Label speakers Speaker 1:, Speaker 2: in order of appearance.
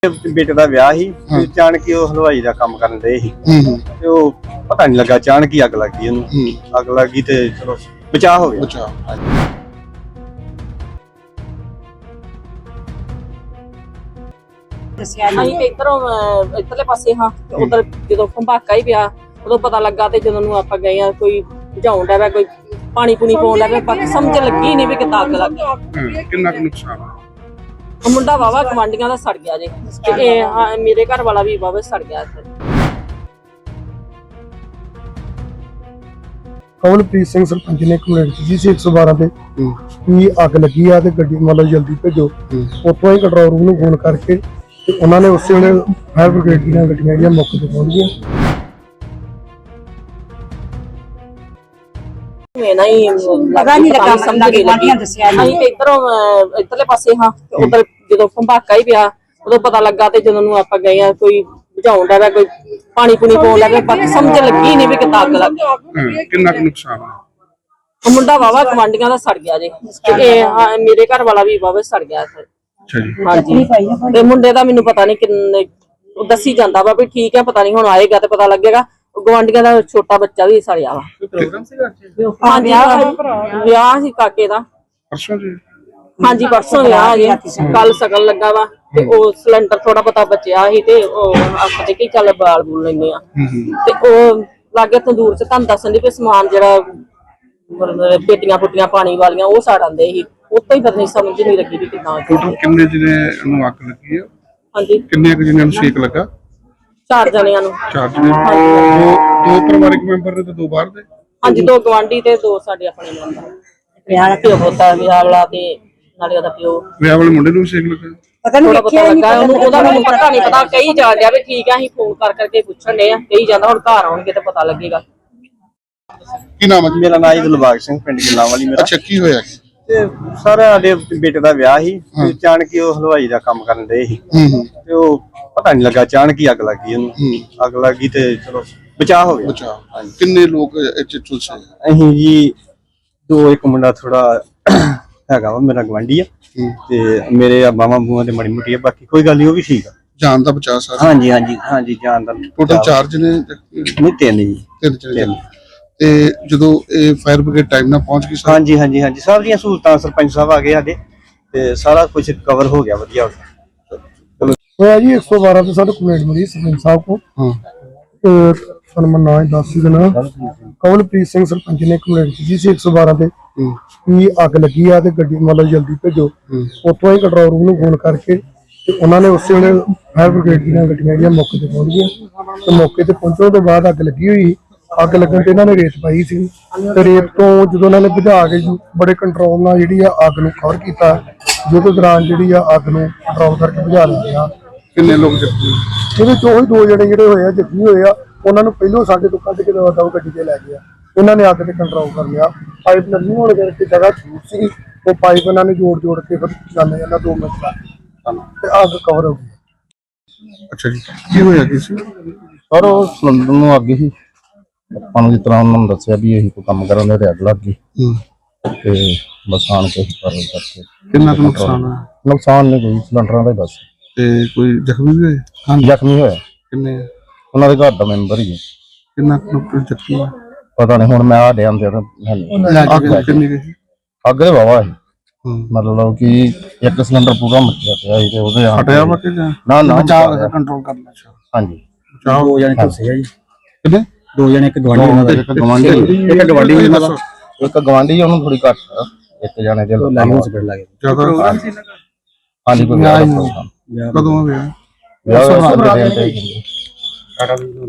Speaker 1: बेटे का विआह ही अचानक ही हलवाई का काम करन दे ही ते ओ पता नहीं लगा अचानक ही अग लग गई ओनू अग लग गई ते चलो बचा हो गया।
Speaker 2: ਅਸੀਂ ਇਧਰੋਂ ਇਧਰਲੇ ਪਾਸੇ ਹਾਂ ਉਧਰ ਜਦੋਂ ਭੰਬਾਕਾ ਹੀ ਪਿਆ ਉਦੋਂ ਪਤਾ ਲੱਗਾ ਤੇ ਜਦੋਂ ਨੂੰ ਆਪਾਂ ਗਏ ਆ ਕੋਈ ਬੁਝਾਉਣ ਦਾ ਕੋਈ ਪਾਣੀ ਪੂਣੀ ਪਾਉਣ ਦਾ ਬਾਕੀ ਸਮਝ ਲੱਗੀ ਨਹੀਂ ਵੀ ਕਿੱਦਾਂ ਅੱਗ ਲੱਗ ਗਈ।
Speaker 3: ਕਿੰਨਾ ਕੁ ਨੁਕਸਾਨ
Speaker 2: ਮੁੰਡਾ ਵਾਵਾ ਕਮਾਂਡੀਆਂ ਦਾ ਸੜ ਗਿਆ ਜੇ ਤੇ ਇਹ ਮੇਰੇ ਘਰ ਵਾਲਾ ਵੀ ਵਾਵਾ ਸੜ ਗਿਆ।
Speaker 4: ਕਮਲਪ੍ਰੀਤ ਸਿੰਘ ਸਰਪੰਚ ਨੇ ਕੰਪਲੇਂਟ ਕੀਤੀ ਸੀ 112 ਤੇ ਵੀ ਅੱਗ ਲੱਗੀ ਆ ਤੇ ਗੱਡੀ ਮਤਲਬ ਜਲਦੀ ਭੇਜੋ। ਉੱਥੋਂ ਹੀ ਕੰਟਰੋਲ ਰੂਮ ਨੂੰ ਫੋਨ ਕਰਕੇ ਤੇ ਉਹਨਾਂ ਨੇ ਉਸੇ ਵੇਲੇ ਫਾਇਰ ਬ੍ਰਿਗੇਡ ਦੀਆਂ ਗੱਡੀਆਂ ਜਿਹੜੀਆਂ ਮੌਕੇ ਤੇ ਪਹੁੰਚ ਗਈਆਂ।
Speaker 2: ਮੈਨਾਂ ਹੀ ਪਤਾ ਨਹੀਂ ਲੱਗਾ ਸਮਝ ਨਹੀਂ ਲੱਗੀ ਅਸੀਂ ਇਧਰੋਂ ਇਧਰਲੇ ਪਾਸੇ ਹਾਂ ਉਧਰ ਜਦੋਂ ਭੰਬਾਕਾ ਹੀ ਪਿਆ ਉਦੋਂ ਪਤਾ ਲੱਗਾ ਤੇ ਜਦੋਂ ਨੂੰ ਆਪਾਂ ਗਏ ਆ ਕੋਈ ਬੁਝਾਉਣ ਦਾ ਕੋਈ ਪਾਣੀ ਪੂਣੀ ਪਾਉਣ ਦਾ ਬਾਕੀ ਸਮਝ ਲੱਗੀ ਨਹੀਂ ਵੀ ਕਿੱਦਾਂ ਅੱਗ ਲੱਗ ਗਈ।
Speaker 3: ਕਿੰਨਾ ਕੁ ਨੁਕਸਾਨ
Speaker 2: ਮੁੰਡਾ ਵਾਵਾ ਕਮਾਂਡੀਆਂ ਦਾ ਸੜ ਗਿਆ ਜੇ ਤੇ ਇਹ ਮੇਰੇ ਘਰ ਵਾਲਾ ਵੀ ਵਾਵਾ ਸੜ ਗਿਆ।
Speaker 3: ਅੱਛਾ ਜੀ
Speaker 2: ਹਾਂਜੀ ਤੇ ਮੁੰਡੇ ਦਾ ਮੈਨੂੰ ਪਤਾ ਨਹੀਂ ਕਿੰਨੇ ਦੱਸੀ ਜਾਂਦਾ ਵਾ ਵੀ ਠੀਕ ਹੈ ਪਤਾ ਨਹੀਂ ਹੁਣ ਆਏਗਾ ਤੇ ਪਤਾ ਲੱਗੇਗਾ। ਗਵਾਂਡੀਆਂ ਦਾ ਛੋਟਾ ਬੱਚਾ ਵੀ ਸੜਿਆ ਵਾ।
Speaker 3: ਪ੍ਰੋਗਰਾਮ ਸੀਗਾ
Speaker 2: ਹਾਂਜੀ ਵਿਆਹ ਸੀ ਕਾਕੇ ਦਾ
Speaker 3: ਪਰਸੋਂ ਜੀ।
Speaker 2: ਹਾਂਜੀ ਪਰਸੋਂ ਵਿਆਹ ਜੇ ਕੱਲ ਸ਼ਗਨ ਲੱਗਾ ਵਾ ਤੇ ਉਹ ਸਿਲੰਡਰ ਥੋੜਾ ਪਤਾ ਬਚਿਆ ਸੀ ਤੇ ਉਹ ਆਪਾਂ ਕਿ ਚੱਲ ਬਾਲ ਬੂਲ ਲੈਨੇ ਆ ਤੇ ਉਹ ਲਾਗੇ ਤੰਦੂਰ ਚ ਤੁਹਾਨੂੰ ਦੱਸਣ ਦੀ ਵੀ ਸਮਾਨ ਜਿਹੜਾ ਪੇਟੀਆਂ ਪੁੱਟੀਆਂ ਪਾਣੀ ਵਾਲੀਆਂ ਉਹ ਸਾੜ ਆਂਦੇ ਸੀ ਉੱਤੋਂ ਹੀ ਪਤਾ ਨਹੀਂ ਸਮਝ ਨਹੀਂ ਲੱਗੀ ਵੀ ਕਿੱਦਾਂ।
Speaker 3: ਟੋਟਲ ਕਿੰਨੇ ਜਿਹਨੇ ਨੂੰ ਅੱਗ ਲੱਗੀ ਆ?
Speaker 2: ਹਾਂਜੀ
Speaker 3: ਕਿੰਨੇ ਕੁ ਜਿਹਨਾਂ ਨੂੰ ਸੇਕ ਲੱਗਾ?
Speaker 2: 4 ਜਣਿਆਂ ਨੂੰ।
Speaker 3: 4 ਜਣੇ ਦੋ ਪਰਿਵਾਰਕ ਮੈਂਬਰ ਨੇ ਤੇ 2 ਬਾਹਰ ਦੇ?
Speaker 2: ਹਾਂਜੀ 2 ਗਵਾਂਢੀ ਤੇ 2 ਸਾਡੇ ਆਪਣੇ ਮੈਂਬਰ। ਵਿਆਹ ਦਾ ਪਿਓ ਪੁੱਤਾ ਵਿਆਹ ਵਾਲਾ ਤੇ ਨਾਲੇ ਉਹਦਾ ਪਿਓ।
Speaker 3: ਵਿਆਹ ਵਾਲੇ ਮੁੰਡੇ ਨੂੰ ਵੀ ਸੇਕ ਲੱਗਾ?
Speaker 2: ਪਤਾ ਨਹੀਂ ਲੱਗਾ ਉਹਨੂੰ ਉਹਦਾ ਮੈਨੂੰ ਪਤਾ ਨਹੀਂ ਪਤਾ ਕਹੀ ਜਾਣ ਡਿਆ ਵੀ ਠੀਕ ਆ ਅਸੀਂ ਫੋਨ ਕਰਕੇ ਪੁੱਛਣ ਡਏ ਆ ਕਹੀ ਜਾਂਦਾ ਹੁਣ ਘਰ ਆਉਣਗੇ ਤੇ ਪਤਾ ਲੱਗੇਗਾ।
Speaker 3: ਕੀ ਨਾਮ ਹੈ?
Speaker 1: मेरा नाम दिलबाग सिंह पिंड गिलांवाली मेरा।
Speaker 3: ਅੱਛਾ ਕੀ ਹੋਇਆ?
Speaker 1: ਤੇ ਸਾਰਾ ਸਾਡੇ ਬੇਟੇ ਦਾ ਵਿਆਹ ਹੀ ਅਚਾਨਕ ਹੀ ਹਲਵਾਈ ਦਾ ਕੰਮ ਕਰਨ ਦੇ ਹੀ ਤੇ ਉਹ ਪਤਾ ਨਹੀਂ ਲੱਗਾ ਅਚਾਨਕ ਹੀ ਅੱਗ ਲੱਗ ਗਈ ਉਹਨੂੰ ਅੱਗ ਲੱਗ ਗਈ ਤੇ ਚਲੋ ਬਚਾ ਹੋ ਗਿਆ।
Speaker 3: ਅੱਛਾ ਕਿੰਨੇ ਲੋਕ ਇੱਥੇ ਝੁਲਸੇ?
Speaker 1: ਅਸੀਂ ਜੀ 2 ਇੱਕ ਮੁੰਡਾ ਥੋੜਾ ਹੈਗਾ ਵਾ ਮੇਰਾ ਗਵਾਂਢੀ ਆ ਤੇ ਮੇਰੇ ਬਾਵਾਂ ਬੂਆਂ ਤੇ ਮੜੀ ਮੁੱਟੀ ਆ ਬਾਕੀ ਕੋਈ ਗੱਲ ਨਹੀਂ ਉਹ ਵੀ ਠੀਕ ਆ।
Speaker 3: ਜਾਨ ਦਾ ਬਚਾ ਸਾਰਾ?
Speaker 1: ਹਾਂਜੀ ਹਾਂਜੀ ਹਾਂਜੀ ਜਾਨ ਦਾ
Speaker 3: ਟੋਟਲ 4 ਜਣੇ
Speaker 1: ਨਹੀਂ 3 ਜੀ।
Speaker 3: 3 ਤੇ ਜਦੋਂ ਇਹ ਫਾਇਰ ਬ੍ਰਿਗੇਡ ਟਾਈਮ ਨਾਲ ਪਹੁੰਚ ਗਈ?
Speaker 1: ਹਾਂਜੀ ਹਾਂਜੀ ਹਾਂਜੀ ਸਭ ਦੀਆਂ ਸਹੂਲਤਾਂ ਸਰਪੰਚ ਸਾਹਿਬ ਆ ਗਏ ਸਾਡੇ ਤੇ ਸਾਰਾ ਕੁਝ ਕਵਰ ਹੋ ਗਿਆ ਵਧੀਆ
Speaker 4: ਹੋਇਆ ਜੀ 112 ਤੇ ਸਾਨੂੰ ਕੰਪਲੇਂਟ ਮਿਲੀ ਸਰਪੰਚ ਸਾਹਿਬ ਕੋ। ਤੇ ਸਾਨੂੰ ਨਾਂ ਦੱਸ ਦੇਣਾ ਕਮਲਪ੍ਰੀਤ ਸਿੰਘ ਸਰਪੰਚ ਨੇ ਕੰਪਲੇਂਟ ਕੀਤੀ ਸੀ 112 ਤੇ ਵੀ ਅੱਗ ਲੱਗੀ ਆ ਤੇ ਗੱਡੀ ਮਤਲਬ ਜਲਦੀ ਭੇਜੋ। ਉੱਥੋਂ ਹੀ ਕੰਟਰੋਲ ਰੂਮ ਨੂੰ ਫੋਨ ਕਰਕੇ ਤੇ ਉਹਨਾਂ ਨੇ ਉਸੇ ਵੇਲੇ ਫਾਇਰ ਬ੍ਰਿਗੇਡ ਦੀਆਂ ਗੱਡੀਆਂ ਜਿਹੜੀਆਂ ਮੌਕੇ ਤੇ ਪਹੁੰਚ ਗਈਆਂ। ਤੇ ਮੌਕੇ ਤੇ ਪਹੁੰਚਣ ਤੋਂ ਬਾਅਦ ਅੱਗ ਲੱਗੀ ਹੋਈ ਅੱਗ ਲੱਗਣ ਤੇ ਇਹਨਾਂ ਨੇ ਰੇਤ ਪਾਈ ਸੀ ਤੇ ਰੇਤ ਤੋਂ ਜਦੋਂ ਇਹਨਾਂ ਨੇ ਬੁਝਾ ਕੇ ਬੜੇ ਕੰਟਰੋਲ ਨਾਲ ਜਿਹੜੀ ਆ ਅੱਗ ਨੂੰ ਕਵਰ ਕੀਤਾ ਜਿਹਦੇ ਦੌਰਾਨ ਜਿਹੜੀ ਆ ਅੱਗ ਨੂੰ ਕੰਟਰੋਲ ਕਰਕੇ ਬੁਝਾ ਲਿਆ।
Speaker 3: ਕਿੰਨੇ ਲੋਕ ਜ਼ਖਮੀ?
Speaker 4: ਜਿਹਦੇ ਚੋਂ ਹੀ 2 ਜਣੇ ਜਿਹੜੇ ਹੋਏ ਆ ਜ਼ਖਮੀ ਹੋਏ ਆ ਉਹਨਾਂ ਨੂੰ ਪਹਿਲੋਂ ਸਾਡੇ ਤੋਂ ਕੱਢ ਕੇ ਦਵਾ ਗੱਡੀ ਤੇ ਲੈ ਗਿਆ। ਇਹਨਾਂ ਨੇ ਅੱਗ ਤੇ ਕੰਟਰੋਲ ਕਰ ਲਿਆ। ਪਾਈਪ ਲੱਗੀ ਹੋਣ ਕਰਕੇ ਜਗ੍ਹਾ ਛੂਟ ਸੀ ਉਹ ਪਾਈਪ ਇਹਨਾਂ ਨੇ ਜੋੜ ਕੇ ਫਿਰ ਜਾਂਦੇ ਜਾਂਦਾ 2 ਮਿੰਟ ਤੇ ਅੱਗ ਕਵਰ ਹੋ ਗਈ।
Speaker 3: ਅੱਛਾ ਜੀ ਕੀ ਹੋਇਆ ਕੀ ਸੀ?
Speaker 5: ਸਰ ਉਹ ਸਿਲੰਡਰ ਨੂੰ ਅੱਗ ਹੀ ਆਪਾਂ ਨੂੰ ਜਿਸ ਤਰ੍ਹਾਂ ਉਹਨਾਂ ਨੂੰ ਦੱਸਿਆ ਵੀ ਇਹੀ ਕੋਈ ਕੰਮ ਕਰਨ ਦੇ ਅੱਗ ਲੱਗ ਗਈ ਤੇ ਬਸ ਆਣ ਕੇ ਕਰਨ ਕਰਕੇ।
Speaker 3: ਕਿੰਨਾ ਕੁ ਨੁਕਸਾਨ ਹੈ?
Speaker 5: ਨੁਕਸਾਨ ਨਹੀਂ ਕੋਈ ਸਿਲੰਡਰਾਂ ਦਾ ਬਸ।
Speaker 3: ਤੇ ਕੋਈ ਜ਼ਖਮੀ ਵੀ ਹੋਏ?
Speaker 5: ਹਾਂਜੀ ਜ਼ਖਮੀ ਹੋਇਆ
Speaker 3: ਕਿੰਨੇ?
Speaker 5: ਉਹਨਾਂ ਦੇ ਘਰ ਦਾ ਮੈਂਬਰ ਹੀ ਹੈ।
Speaker 3: ਕਿੰਨਾ ਕੁ ਜ਼ਖਮੀ?
Speaker 5: ਪਤਾ ਨਹੀਂ ਹੁਣ ਮੈਂ ਆ ਡਿਆਂ ਦੇ
Speaker 3: ਕਿੰਨੀ ਗਈ?
Speaker 5: ਅੱਗ ਦੇ ਵਾਵਾ ਹੈ ਮਤਲਬ ਕਿ ਇੱਕ ਸਿਲੰਡਰ ਪੂਰਾ ਮੱਚਿਆ ਪਿਆ ਸੀ ਤੇ ਉਹਦੇ
Speaker 3: ਹਟਿਆ ਵਾ ਕਿ
Speaker 5: ਨਾ
Speaker 3: ਬਚਾਅ ਕੰਟਰੋਲ ਕਰ ਲਿਆ?
Speaker 5: ਹਾਂਜੀ
Speaker 1: 2 ਜਣੇ ਝੁਲਸੇ ਆ ਜੀ।
Speaker 3: ਕਿੰਨੇ?
Speaker 1: 2 ਜਣੇ ਇੱਕ ਗਵਾਂਢੀ
Speaker 5: ਇੱਕ ਗਵਾਂਢੀ ਉਹਨੂੰ ਥੋੜੀ ਘੱਟ ਇੱਕ ਜਣੇ ਦੇ
Speaker 3: ਜ਼ਿਆਦਾ?
Speaker 5: ਹਾਂਜੀ ਕੋਈ
Speaker 3: ਕਦੋਂ ਹੋਇਆ?
Speaker 5: ਵਿਆਹ